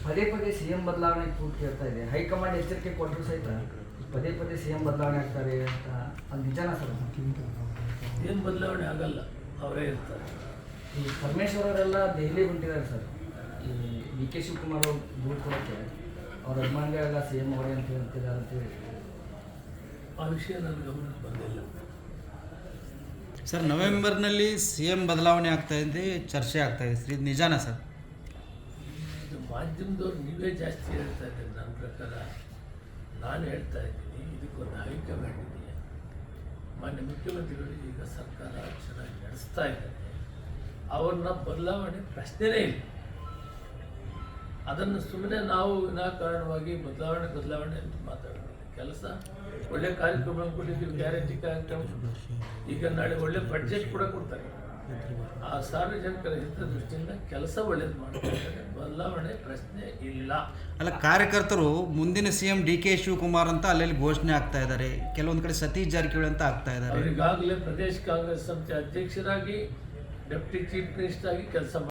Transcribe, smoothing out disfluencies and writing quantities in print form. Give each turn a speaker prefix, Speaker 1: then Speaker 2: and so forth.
Speaker 1: ಪದೇ ಪದೇ CM ಬದಲಾವಣೆ ಕೂಟ್ ಕೇಳ್ತಾ ಇದೆ. ಹೈಕಮಾಂಡ್ ಎಚ್ಚರಿಕೆ ಕೊಟ್ಟರು ಸಹಿತ ಪದೇ ಪದೇ CM ಬದಲಾವಣೆ ಆಗ್ತಾರೆ ಅಂತ ಅದು ನಿಜಾನ ಸರ್?
Speaker 2: ಏನು ಬದಲಾವಣೆ ಆಗಲ್ಲ, ಅವರೇ ಇರ್ತಾರೆ.
Speaker 1: ಈ ಪರಮೇಶ್ವರ್ ಅವರೆಲ್ಲ ದೆಹಲಿ ಹೊಂಟಿದ್ದಾರೆ ಸರ್. ಈ DK ಶಿವಕುಮಾರ್ ಅವರು ದೂರು ಕೊಡೋಕ್ಕೆ ಅವ್ರ ಅಭಿಮಾನಿಗಳೆಲ್ಲ CM ಅವರೇ ಅಂತ ಹೇಳ್ತಿದ್ದಾರೆ ಅಂತೇಳಿ.
Speaker 2: ಆ ವಿಷಯ ನನ್ನ ಗಮನಕ್ಕೆ ಬಂದಿಲ್ಲ
Speaker 3: ಸರ್. ನವೆಂಬರ್ನಲ್ಲಿ CM ಬದಲಾವಣೆ ಆಗ್ತಾ ಇದೆ, ಚರ್ಚೆ ಆಗ್ತಾ ಇದೆ ಸರ್, ಇದು ನಿಜಾನ ಸರ್?
Speaker 2: ಇದು ಮಾಧ್ಯಮದವ್ರು ನೀವೇ ಜಾಸ್ತಿ ಹೇಳ್ತಾ ಇದ್ದೀರಿ. ನನ್ನ ಪ್ರಕಾರ ನಾನು ಹೇಳ್ತಾ ಇದ್ದೀನಿ, ಇದಕ್ಕೊಂದು ಹೈಕಮಾಂಡ್ ಇದೆಯಾ. ಮಾನ್ಯ ಮುಖ್ಯಮಂತ್ರಿಗಳು ಈಗ ಸರ್ಕಾರ ಚೆನ್ನಾಗಿ ನಡೆಸ್ತಾ ಇದ್ದಾರೆ, ಅವ್ರನ್ನ ಬದಲಾವಣೆ ಪ್ರಶ್ನೆನೇ ಇಲ್ಲ. ಅದನ್ನು ಸುಮ್ಮನೆ ನಾವು ವಿನಾಕಾರಣವಾಗಿ ಬದಲಾವಣೆ ಅಂತ ಮಾತಾಡೋಣ. ಕೆಲಸ ಒಳ್ಳೆ ಕಾರ್ಯಕ್ರಮ ಕೊಟ್ಟಿದ್ದೀವಿ, ಗ್ಯಾರಂಟಿ ಕಾರ್ಯಕ್ರಮ. ಈಗ ನಾಳೆ ಒಳ್ಳೆ ಬಡ್ಜೆಟ್ ಕೂಡ ಕೊಡ್ತಾರೆ. ಆ ಸಾರ್ವಜನಿಕರ ಹಿತದೃಷ್ಟಿಯಿಂದ ಕೆಲಸ ಒಳ್ಳೇದು ಮಾಡ್ತಾರೆ, ಬದಲಾವಣೆ ಪ್ರಶ್ನೆ ಇಲ್ಲ.
Speaker 3: ಅಲ್ಲ, ಕಾರ್ಯಕರ್ತರು ಮುಂದಿನ CM DK ಶಿವಕುಮಾರ್ ಅಂತ ಅಲ್ಲೆಲ್ಲಿ ಘೋಷಣೆ ಆಗ್ತಾ ಇದ್ದಾರೆ, ಕೆಲವೊಂದು ಕಡೆ ಸತೀಶ್ ಜಾರಕಿಹೊಳಿ ಅಂತ ಆಗ್ತಾ ಇದ್ದಾರೆ.
Speaker 2: ಅವರಿಗಾಗಲೇ ಪ್ರದೇಶ ಕಾಂಗ್ರೆಸ್ ಸಮಿತಿ ಅಧ್ಯಕ್ಷರಾಗಿ ಡೆಪ್ಟಿ ಚೀಫ್ ಮಿನಿಸ್ಟರ್ ಆಗಿ ಕೆಲಸ